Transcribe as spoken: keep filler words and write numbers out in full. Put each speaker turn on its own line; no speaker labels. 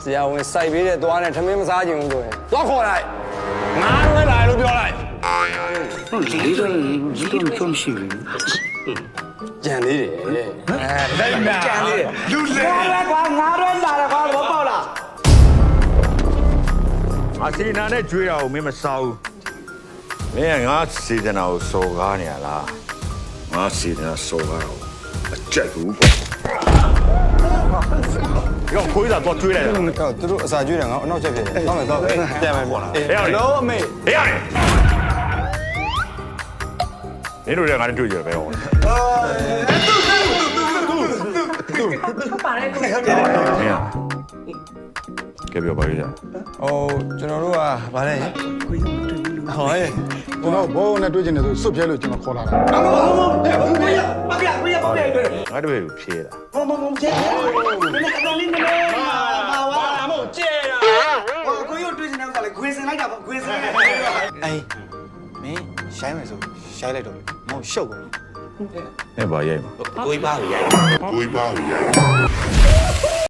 ဆရာဝန်စိုက်ပေးတဲ့သွားနဲ့ထမင်းမစားခြင်းဘူးဆိုရင်သွားခေါ်လိုက်ငါလွဲလာလို့ပြောလိုက်
ဒီတော့ဒီတော့တော့ရှိဘူး
ကြံသေးတယ်အဲလိုက်နာကြံသေးတယ်
လူလေကွာငါတော့လာတယ်ကွာဘောပေါက်လား
အစီနာနဲ့ကျွေးတာကိုမင်းမစားဘူးမင်းကငါစီဒနာကိုစော်ကားနေရလားငါစီဒနာစော်ကားတော့အကြိုက်ဘူးရောခွေးသာတော့ကျွေးလိုက်တာ
ဟုတ်သူတို့အစာကျွေးတယ်ငါအနောက်ချက်ဖြစ်တယ်ဟုတ်မယ်တော့ပြန်မယ်ပေါ့လားဟေးလောအမေ
ဟေးရတယ်နေတို့လည်းငါနဲ့တွေ့ကြပဲဟော
ပါတယ်ကို
မင်းကပြောပါလိမ့်
ဟိုကျွန်တော်တို့ကဗါလဲဟိုရဲ့
ကျွန်တော်ဘောနဲ့တွေ့ချင်တယ်ဆိုစွတ်ပြဲလို့ကျွန်တော်ခေါ်လာတာ
မမမမမရမပြပြပြပြပြ
ငါတို့ဖြေးတာ
မမမကျဲနည်းကတော့လေးနည်းမာဝါမကျဲတာဟိုကိုရုပ်တွေ့နေတာကလည်းခွေစင်လိုက်တာပေါ့ခွေစင်လိုက်
အေးမင်းရှိုင်းမယ်ဆိုရှိုင်းလိုက်တော့မောင်ရှုပ်ကုန်
အဲ့ဘာရိုက်မှာ
ကိုကြီးပါကိုရိုက်
ကိုကြီးပါကိုရိုက်